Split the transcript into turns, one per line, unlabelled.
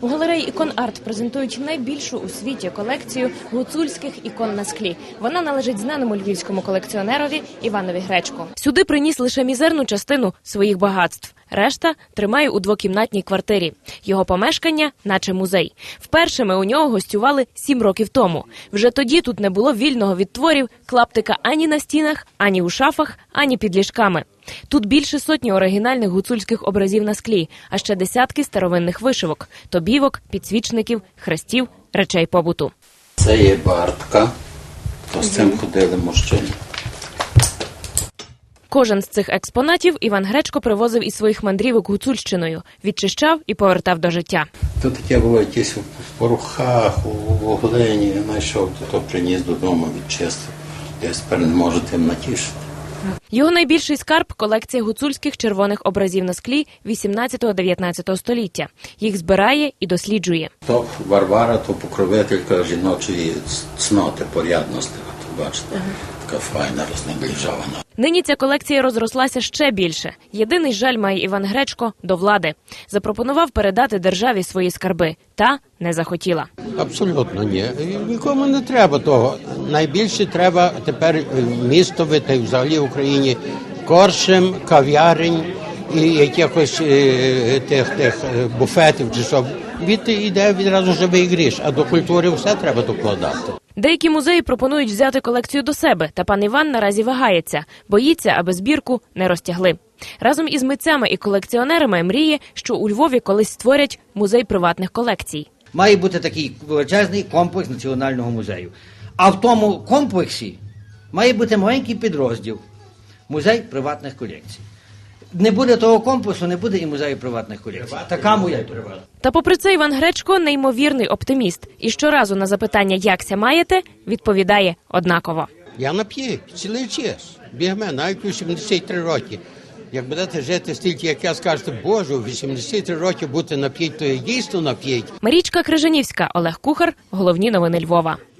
У галереї «Ікон-Арт» презентують найбільшу у світі колекцію гуцульських ікон на склі. Вона належить знаному львівському колекціонерові Іванові Гречко. Сюди приніс лише мізерну частину своїх багатств. Решта тримає у двокімнатній квартирі. Його помешкання – наче музей. Вперше ми у нього гостювали 7 років тому. Вже тоді тут не було вільного від творів, клаптика ані на стінах, ані у шафах, ані під ліжками. Тут більше сотні оригінальних гуцульських образів на склі, а ще десятки старовинних вишивок – тобівок, підсвічників, хрестів, речей побуту.
Це є бартка, то з цим ходили мужчини.
Кожен з цих експонатів Іван Гречко привозив із своїх мандрівок Гуцульщиною, відчищав і повертав до життя.
Тут таке було якісь в порохах, у глині, знайшов, то приніс додому, відчистив. Я тепер не можу тим натішити.
Його найбільший скарб – колекція гуцульських червоних образів на склі 18-19 століття. Їх збирає і досліджує.
То Варвара, то покровителька жіночої цноти, порядності. От, бачите, така файна, рознеближована.
Нині ця колекція розрослася ще більше. Єдиний жаль має Іван Гречко до влади. Запропонував передати державі свої скарби. Та не захотіла.
Абсолютно ні. Нікому не треба того. Найбільше треба тепер містові, взагалі в Україні, коршем, кав'ярень і якихось тих буфетів чи що. Йде відразу живий гріш, а до культури все треба докладати.
Деякі музеї пропонують взяти колекцію до себе, та пан Іван наразі вагається. Боїться, аби збірку не розтягли. Разом із митцями і колекціонерами мріє, що у Львові колись створять музей приватних колекцій.
Має бути такий величезний комплекс Національного музею. А в тому комплексі має бути маленький підрозділ – музей приватних колекцій. Не буде того комплексу, не буде і музею приватних колекцій. Така моя.
Та попри це Іван Гречко – неймовірний оптиміст. І щоразу на запитання «якся маєте?» відповідає однаково.
Я нап'ють цілий час. Бігме, навіть у 73 роки. Як будете жити стільки, як я, скажете, Боже, у 83 роки бути нап'ють, то я дійсно нап'ють.
Марічка Крижанівська, Олег Кухар. Головні новини Львова.